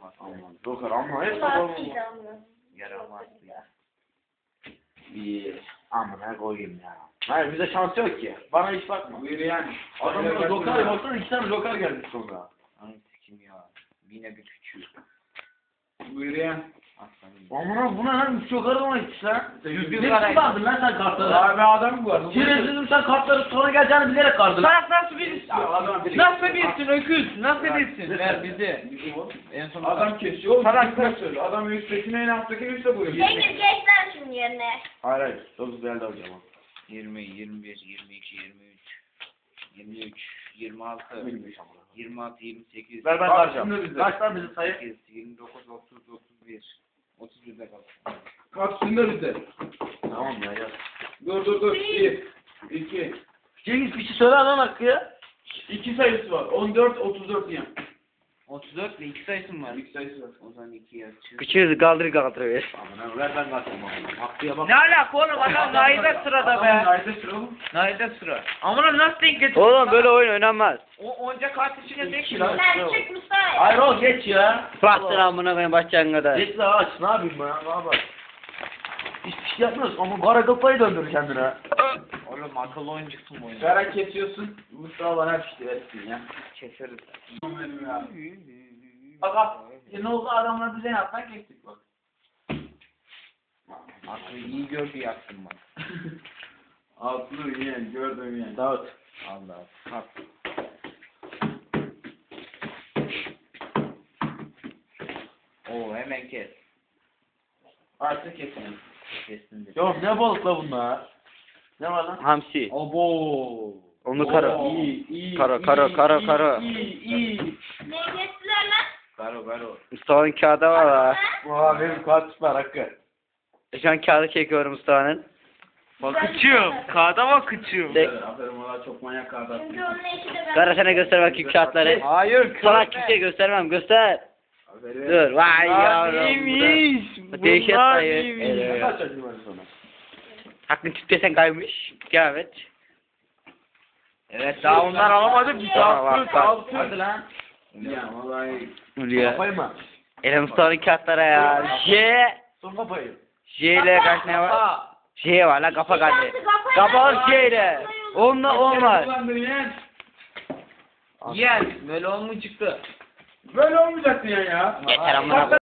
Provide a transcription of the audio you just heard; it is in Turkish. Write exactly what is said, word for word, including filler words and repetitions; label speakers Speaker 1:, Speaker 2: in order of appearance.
Speaker 1: Aman dokar ama hep
Speaker 2: Yaramaz ya.
Speaker 1: İyi. Amına koyayım ya. Hayır bize şans yok ki. Bana hiç bakma.
Speaker 3: Buyur yani.
Speaker 1: Adamlar lokal baksana iki tane lokal gelmiş sonra.
Speaker 2: Ay sikim ya. Yine bir küçük.
Speaker 3: Buyur yani.
Speaker 2: Aslanım.
Speaker 1: Amına bu ne lan? Üç lokal mı gitmiş lan?
Speaker 2: Yüz
Speaker 1: Ne
Speaker 2: bin
Speaker 1: biçim
Speaker 2: parayı.
Speaker 1: kardın lan sen kartları?
Speaker 3: Abi adam bu var.
Speaker 1: Şerefsizim sen kartları sonra geleceğini bilerek kardın.
Speaker 2: Salak nasıl birisi?
Speaker 3: Adam
Speaker 2: Nasıl birsin öküz? Nasıl birsin? Ver bizi. En son
Speaker 3: Adam kesiyor. Oğlum
Speaker 2: Salak
Speaker 3: salak söylüyor. Adam üsttekine en alttakine üstte buyuruyor.
Speaker 4: Cengiz geç lan şunun yerine.
Speaker 1: Hayır hayır. Çok güzel de hocam.
Speaker 2: yirmi, yirmi bir, yirmi iki, yirmi üç, yirmi üç, yirmi altı,
Speaker 1: Bilmiş amına.
Speaker 2: yirmi altı, yirmi sekiz,
Speaker 1: Ver ben
Speaker 3: Bak,
Speaker 1: karacağım.
Speaker 3: şimdi bize.
Speaker 1: Kaç lan bizi sayı?
Speaker 2: sekiz, yirmi dokuz, otuz, otuz bir, otuz birde kaldı.
Speaker 3: Kapsında bize.
Speaker 1: Tamam ya yaz.
Speaker 3: Dur dur dur. Bir. İki.
Speaker 1: Cengiz bir şey söyle lan Hakkı ya.
Speaker 3: İki sayısı var. On dört, otuz dört yan.
Speaker 2: otuz dört ve iki sayısı mı var?
Speaker 3: İki sayısı var.
Speaker 2: O zaman iki yazıyor.
Speaker 5: Küçüğüz kaldır kaldırıyor.
Speaker 1: Amına ver ben kaçayım amına. Hakkı'ya bak.
Speaker 2: Ne alaka oğlum adam Naide sırada
Speaker 3: Adam
Speaker 2: be.
Speaker 3: Naide sıra oğlum.
Speaker 2: Naide sıra. Amına nasıl denk getirdin?
Speaker 5: Oğlum böyle oyun oynanmaz.
Speaker 2: O onca kart içine tek
Speaker 1: İki lan.
Speaker 4: Sen çık Mustafa.
Speaker 1: Hayır o geç ya.
Speaker 5: Bastır amına koyayım başlayın kadar.
Speaker 1: Geç la aç ne yapayım ben ya ne yapayım. Hiçbir şey yapmıyoruz ama kara kafayı döndür kendine.
Speaker 2: Oğlum akıllı oyuncusun bu oyunda.
Speaker 3: Kara kesiyorsun. Mustafa bana pişti versin ya.
Speaker 2: Keseriz.
Speaker 3: Benim ya. Bak bak. E ne oldu adamlar bize ne yaptan geçtik bak.
Speaker 2: Aklı iyi gördü yaktın bak.
Speaker 3: Altını yiyen gördüm yani.
Speaker 1: Davut.
Speaker 2: Allah. Kalk. Oo hemen kes.
Speaker 3: Artık kesin.
Speaker 2: Kestin de.
Speaker 1: Yok ne balık la bunlar? Ne var lan?
Speaker 5: Hamsi.
Speaker 2: Obo.
Speaker 5: Onu kara.
Speaker 3: İyi iyi.
Speaker 5: Kara,
Speaker 3: iyi,
Speaker 5: kara, kara,
Speaker 3: iyi,
Speaker 5: kara.
Speaker 3: İyi iyi.
Speaker 4: Ne geçtiler lan?
Speaker 2: Garo garo.
Speaker 5: Mustafa'nın kağıdı var ha.
Speaker 1: Aa benim kart var Hakkı.
Speaker 5: Şu an kağıdı çekiyorum Mustafa'nın.
Speaker 2: Bakıcığım. Kağıda bakıcığım.
Speaker 5: De
Speaker 3: Aferin valla çok manyak kardeş.
Speaker 4: Çünkü onun eşi de ben.
Speaker 5: Kara sana göster bakayım kağıtları.
Speaker 2: Hayır.
Speaker 5: Sana kimseye göstermem göster.
Speaker 3: Aferin.
Speaker 5: Dur vay yavrum.
Speaker 2: Neymiş?
Speaker 5: bu da- Dehşet dayı.
Speaker 1: Ne
Speaker 5: Evet.
Speaker 1: kaç acı var sonra?
Speaker 5: Hakkın tüptesen kaymış. Devam et.
Speaker 2: Evet daha onlar alamadı. Bir
Speaker 5: Tamam,
Speaker 2: daha
Speaker 5: bak,
Speaker 2: kırk
Speaker 5: bak.
Speaker 2: altı.
Speaker 1: Hadi lan.
Speaker 3: Ya vallahi.
Speaker 5: Uluyor.
Speaker 1: Kafayı mı?
Speaker 5: Ele Mustafa'nın kağıtlara ya. J.
Speaker 1: Son kafayı.
Speaker 5: J ile kaç ne var? J var la kafa geldi. Kafa J ile. Onunla on var.
Speaker 3: Kullandın yeğen.
Speaker 2: Yen. Böyle on mu çıktı?
Speaker 3: Böyle olmayacaktı ya ya.
Speaker 5: Yeter amına.